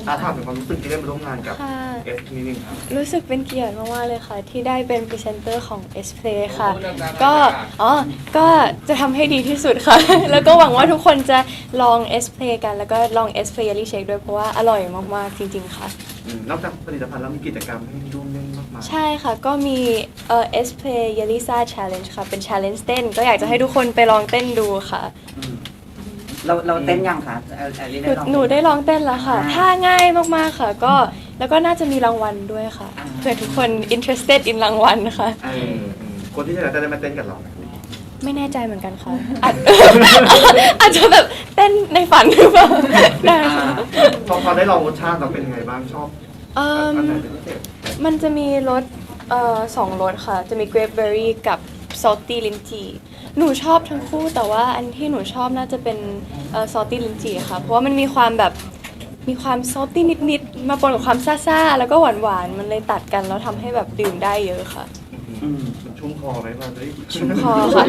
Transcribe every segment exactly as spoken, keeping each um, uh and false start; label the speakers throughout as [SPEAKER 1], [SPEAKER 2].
[SPEAKER 1] อาถามถึงความรู้สึกที่ได้มาร่วมงานกับ
[SPEAKER 2] ค่ะ
[SPEAKER 1] เอสนิดนึงครับ
[SPEAKER 2] รู้สึกเป็นเกียรติมากๆเลยค่ะ ที่ได้เป็นพรีเซนเตอร์ของ เอส Play ค่ะ ก็อ๋อก็จะทำให้ดีที่สุดค่ะ แล้วก็หวังว่าทุกคนจะลอง เอส Play กัน แล้วก็ลอง เอส Play Jelly Shake ด้วยเพราะว่าอร่อยมากๆจริงๆค่ะ
[SPEAKER 1] อืมนอกจากผลิตภัณฑ์แล้วมีกิจกรรมให้ร่วมเล่นมากมาย
[SPEAKER 2] ใช่ค่ะ ก็มีเอ่อ เอส Play Yelisa Challenge ค่ะ เป็น challenge เต้น ก็อยากจะให้ทุกคนไปลองเต้นดูค่ะ
[SPEAKER 3] อืมเราเราเต้นยังคะแอลแอลลี่
[SPEAKER 2] ห
[SPEAKER 3] ได้
[SPEAKER 2] นู
[SPEAKER 3] ลอง
[SPEAKER 2] หนูได้ลองเต้นแล้วค่ะ
[SPEAKER 3] อ่า
[SPEAKER 2] ท่าง่ายมากๆค่ะ ก็แล้วก็น่าจะมีรางวัลด้วยค่ะ
[SPEAKER 3] อ่า
[SPEAKER 2] เผื่อทุกคน interested in รางวัลค่ะ
[SPEAKER 1] เอออืมคนที่ชนะจะได้มาเต้นกับเราไหม
[SPEAKER 2] ไม่แน่ใจเหมือนกันค่ะ อาจ อาจจะแบบเต้นในฝันหรือเปล่าได้
[SPEAKER 3] อ่า
[SPEAKER 2] ค่ะ
[SPEAKER 1] พอพอได้ลองรสชาติเราเป็นยังไงบ้างชอบ
[SPEAKER 2] เอิ่ม
[SPEAKER 1] อันไหนเป็นพิเศษ
[SPEAKER 2] มันจะมีรสเอ่อสองรสค่ะ จะมี grapeberry กับ salty lychee หนูชอบทั้งคู่แต่ว่าอันที่หนูชอบน่าจะเป็นเอ่อ salty lychee ค่ะ เพราะว่ามันมีความแบบมีความ salty นิดๆ มาปนกับความซ่าๆ แล้วก็หวานๆ มันเลยตัดกันแล้วทำให้แบบดื่มได้เยอะค่ะ
[SPEAKER 3] อืม
[SPEAKER 1] มันชุ่มคอไหมมันได้
[SPEAKER 2] ชุ่มคอค่ะ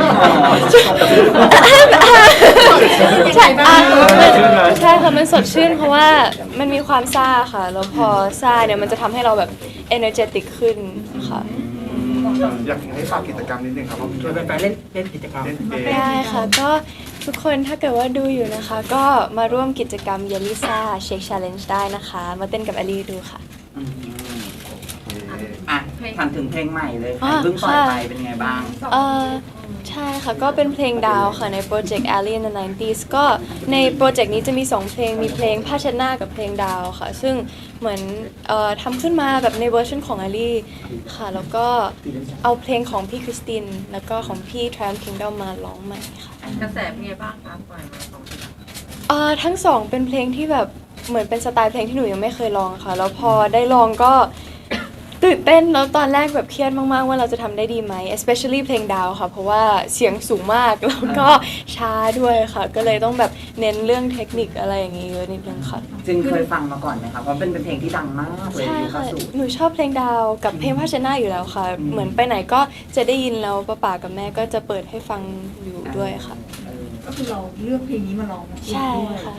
[SPEAKER 2] ใช่อ่ะใช่ค่ะ มันสดชื่นเพราะว่ามันมีความซ่าค่ะ แล้วพอซ่าเนี่ยมันจะทำให้เราแบบ energetic ขึ้นค่ะ
[SPEAKER 1] อยากให้ฝากกิจกรรมนิดนึงครับว่า
[SPEAKER 4] ชวนแฟนๆเล่นเล่นกิจกรรม
[SPEAKER 1] เล่นเกม
[SPEAKER 2] ได้ค่ะ ก็ทุกคนถ้าเกิดว่าดูอยู่นะคะ ก็มาร่วมกิจกรรม Yelisa Shake Challenge ได้นะคะ มาเต้นกับอลีดูค่ะ
[SPEAKER 3] อืมอ่ะถามถึงเพลงใหม่เลย
[SPEAKER 2] อ่า
[SPEAKER 3] เพิ่งปล่อยไป
[SPEAKER 2] ค่ะ
[SPEAKER 3] เป็นไงบ้าง
[SPEAKER 2] เออใช่ค่ะ ก็เป็นเพลงดาวค่ะในโปรเจกต์ Alley in the ไนน์ตี้ ก็ในโปรเจกต์นี้จะมี สอง เพลงมีเพลงผ้าเช็ดหน้ากับเพลงดาวค่ะ ซึ่งเหมือนเอ่อทำขึ้นมาแบบในเวอร์ชันของ Alley ค่ะ แล้วก็เอาเพลงของพี่คริสติน แล้วก็ของพี่ Tramp Kingdom มาร้องใหม่ค่ะ
[SPEAKER 5] กระแสเป็นไงบ้างคะปล่อยมาสองเพลง
[SPEAKER 2] เอ่อทั้งสองเป็นเพลงที่แบบเหมือนเป็นสไตล์เพลงที่หนูยังไม่เคยลองค่ะ แล้วพอได้ลองก็ตื่นเต้นแล้วตอนแรกแบบเครียดมากๆว่าเราจะทำได้ดีไหม especially เพลงดาวค่ะ เพราะว่าเสียงสูงมากแล้วก็ช้าด้วยค่ะ ก็เลยต้องแบบเน้นเรื่องเทคนิคอะไรอย่างงี้เยอะนิดนึงค่ะ
[SPEAKER 3] จึงเคยฟังมาก่อนไหมคะเพราะเป็นเป็นเพลงที่ดังมากเลย
[SPEAKER 2] ใช่
[SPEAKER 3] ยุค
[SPEAKER 2] ค่ะ
[SPEAKER 3] สูตร
[SPEAKER 2] หนูชอบเพลงดาวกับเพลงผ้าเช็ดหน้าอยู่แล้วค่ะ
[SPEAKER 3] อืม
[SPEAKER 2] เหมือนไปไหนก็จะได้ยินแล้วป้าป๋ากับแม่ก็จะเปิดให้ฟังอยู่ด้วยค่ะ
[SPEAKER 3] เออ
[SPEAKER 5] ก็คือเราเลือกเพลงนี้มาร้อง
[SPEAKER 2] ใช่ค่ะ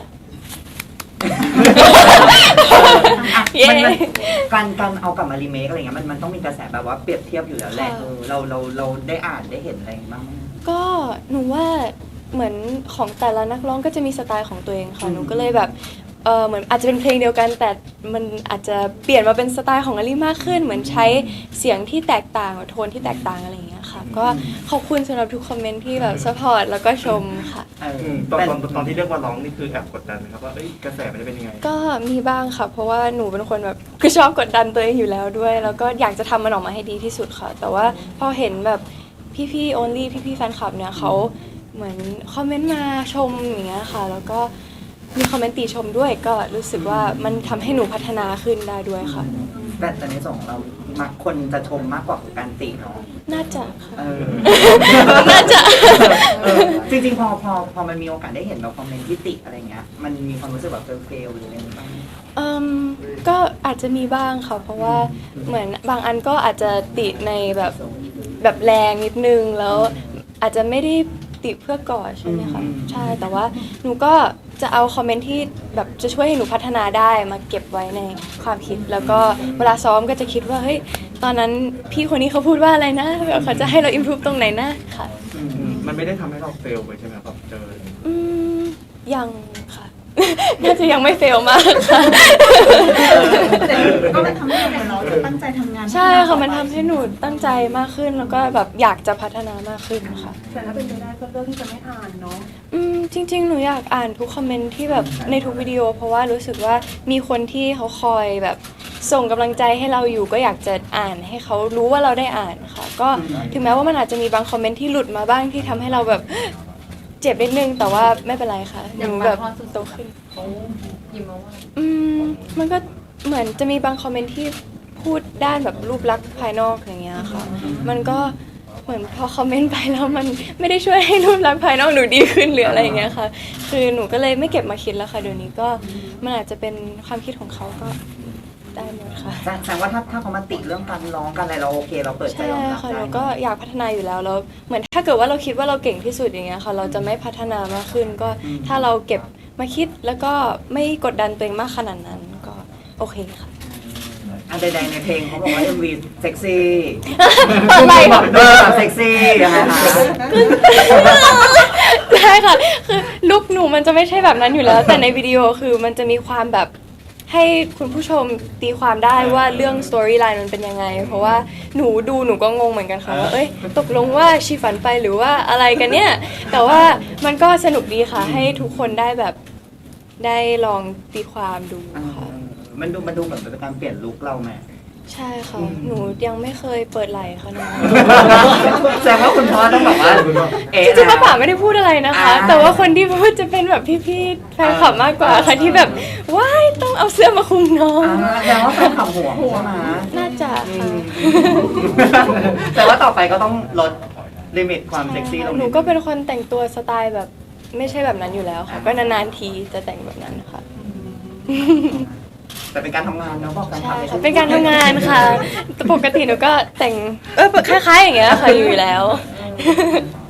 [SPEAKER 3] อ่ะ
[SPEAKER 2] เย้
[SPEAKER 3] มันมันการการเอากลับมารีเมคอะไรเงี้ยมันมันต้องมีกระแสแบบว่าเปรียบเทียบอยู่แล้วแหละ
[SPEAKER 2] ค่ะ
[SPEAKER 3] เออเราเราเราได้อ่านได้เห็นอะไรบ้างไหม
[SPEAKER 2] ก็หนูว่าเหมือนของแต่ละนักร้องก็จะมีสไตล์ของตัวเองค่ะ
[SPEAKER 3] อืม
[SPEAKER 2] หนูก็เลยแบบเออเหมือนอาจจะเป็นเพลงเดียวกัน แต่มันอาจจะเปลี่ยนมาเป็นสไตล์ของอลี่มากขึ้น เหมือนใช้เสียงที่แตกต่างโทนที่แตกต่างอะไรอย่างเงี้ยค่ะ ก็ขอบคุณสำหรับทุกคอมเมนต์ที่แบบสปอร์ตแล้วก็ชมค่ะ
[SPEAKER 3] เออ
[SPEAKER 1] อืมตอน
[SPEAKER 3] แต่
[SPEAKER 1] ตอนตอนที่เลือกว่าร้องนี่คือแอบกดดันไหมครับว่าเอ้ยกระแสมันจะเป็นยังไง
[SPEAKER 2] ก็มีบ้างค่ะ เพราะว่าหนูเป็นคนแบบคือชอบกดดันตัวเองอยู่แล้วด้วย แล้วก็อยากจะทำมันออกมาให้ดีที่สุดค่ะ แต่ว่าพอเห็นแบบพี่ๆ only พี่ๆแฟนคลับเนี่ยเขาเหมือนคอมเมนต์มาชมอย่างเงี้ยค่ะ แล้วก็มีคอมเมนต์ติชมด้วย ก็รู้สึกว่ามันทำให้หนูพัฒนาขึ้นได้ด้วยค่ะ
[SPEAKER 3] แต่แต่ในส่วนของเรามักคนจะชมมากกว่าการติเนาะ
[SPEAKER 2] น่าจะค่ะ
[SPEAKER 3] เออ
[SPEAKER 2] น่าจะ
[SPEAKER 3] เออจริงๆพอพอพอมันมีโอกาสได้เห็นแบบคอมเมนต์ที่ติอะไรเงี้ยมันมีความรู้สึกแบบเฟลๆหรืออะไรบ้างไหม
[SPEAKER 2] อืมก็อาจจะมีบ้างค่ะ เพราะว่าเหมือนบางอันก็อาจจะติในแบบแบบแรงนิดนึงแล้วอาจจะไม่ได้ติเพื่อก่อใช่ไหมคะ
[SPEAKER 3] อืม
[SPEAKER 2] ใช่แต่ว่าหนูก็จะเอาคอมเมนต์ที่แบบจะช่วยให้หนูพัฒนาได้มาเก็บไว้ในความคิด แล้วก็เวลาซ้อมก็จะคิดว่าเฮ้ยตอนนั้นพี่คนนี้เขาพูดว่าอะไรนะแบบเขาจะให้เราอิ p พ o v e ตรงไหนนะค่ะ
[SPEAKER 3] อืม
[SPEAKER 1] อืมมันไม่ได้ทำให้เราเฟลไปใช่ไหมครับเจอ
[SPEAKER 2] อืมยังค่ะ น่าจะยังไม่เฟลมากค่ะ
[SPEAKER 5] แต่ก็มันทำให้เราจะตั้งใจทำงาน
[SPEAKER 2] ใช่ค่ะมันทำให้หนูตั้งใจมากขึ้นแล้วก็แบบอยากจะพัฒนามากขึ้นค่ะ
[SPEAKER 5] แต่ถ้าเป็นไปได้ก็เลือกที่จะไม่อ่านเนาะ
[SPEAKER 2] อืมจริงๆ หนูอยากอ่านทุกคอมเมนต์ที่แบบในทุกวิดีโอ เพราะว่ารู้สึกว่ามีคนที่เขาคอยแบบส่งกำลังใจให้เราอยู่ก็อยากจะอ่านให้เขารู้ว่าเราได้อ่านค่ะ ก็ถึงแม้ว่ามันอาจจะมีบางคอมเมนต์ที่หลุดมาบ้างที่ทำให้เราแบบ เจ็บนิดนึงแต่ว่าไม่เป็นไรค่ะหนูแบบโตขึ้น
[SPEAKER 5] เขายิ้มมาว่า
[SPEAKER 2] อืมมันก็เหมือนจะมีบางคอมเมนต์ที่พูดด้านแบบรูปลักษณ์ภายนอกอย่างเงี้ยค่ะ มันก็เหมือนพอคอมเมนต์ไปแล้วมันไม่ได้ช่วยให้รูปลักษณ์ภายนอกหนูดีขึ้นหรืออะไรอย่างเงี้ยค่ะ คือหนูก็เลยไม่เก็บมาคิดแล้วค่ะเดี๋ยวนี้ก็มันอาจจะเป็นความคิดของเขาก็ได้หมดค่ะ
[SPEAKER 3] แสแสดงว่าถ้าถ้าเขามาติเรื่องการร้องกันอะไรเราโอเคเราเปิดใจ
[SPEAKER 2] ใช่
[SPEAKER 3] ยอมรับ
[SPEAKER 2] ค่ะ
[SPEAKER 3] ได้
[SPEAKER 2] เราก็อยากพัฒนาอยู่แล้วแล้วเหมือนถ้าเกิดว่าเราคิดว่าเราเก่งที่สุดอย่างเงี้ยค่ะ เราจะไม่พัฒนามากขึ้นก็ถ้าเราเก็บมาคิดแล้วก็ไม่กดดันตัวเองมากขนาดนั้นก็โอเคค่ะ
[SPEAKER 3] อันใดๆในเพลงเขาบอกว่า เอ็ม วี เซ็กซี่
[SPEAKER 2] อะไร
[SPEAKER 3] บอกเออเซ็กซี่ยังไงคะ
[SPEAKER 2] ใช่ค่ะ คือลุคหนูมันจะไม่ใช่แบบนั้นอยู่แล้ว แต่ในวิดีโอคือมันจะมีความแบบให้คุณผู้ชมตีความได้ว่าเรื่องสตอรี่ไลน์มันเป็นยังไง เพราะว่าหนูดูหนูก็งงเหมือนกันค่ะว่าเอ้ยตกลงว่าชีฝันไปหรือว่าอะไรกันเนี่ย แต่ว่ามันก็สนุกดีค่ะ ให้ทุกคนได้แบบได้ลองตีความดู
[SPEAKER 3] เออ
[SPEAKER 2] ค่ะ
[SPEAKER 3] มันดูมันดูเหมือนเป็นการเปลี่ยนลุคเราไหม
[SPEAKER 2] ใช่ค่ะ หนูยังไม่เคยเปิดไหล่ค่ะนะ
[SPEAKER 3] แสดงว่าคุณพ่อต้องแบบว่าเอ๊ะ
[SPEAKER 2] จริงๆป้าป๋าไม่ได้พูดอะไรนะคะ แต่ว่าคนที่พูดจะเป็นแบบพี่ๆแฟนคลับมากกว่าค่ะที่แบบว้ายต้องเอาเสื้อมาคลุมน้อง
[SPEAKER 3] อ่าแสดงว่าแฟนขับหัวใช่ไหม
[SPEAKER 2] น่าจะค่ะ
[SPEAKER 3] แต่ว่าต่อไปก็ต้องลดลิมิตความเซ็กซี่ลง
[SPEAKER 2] หนู
[SPEAKER 3] นิด
[SPEAKER 2] ก็เป็นคนแต่งตัวสไตล์แบบไม่ใช่แบบนั้นอยู่แล้วค่ะ ก็นานๆทีจะแต่งแบบนั้นค่ะ
[SPEAKER 3] แต่เป็นการทำงานเนาะบอกการ
[SPEAKER 2] ใช่
[SPEAKER 3] ทำ
[SPEAKER 2] ค่ะเป็นการทำงานค่ะแต่ปกติหนูก็แต่งเออคล้ายๆอย่างเงี้ยค่ะอยู่แล้ว
[SPEAKER 3] เออ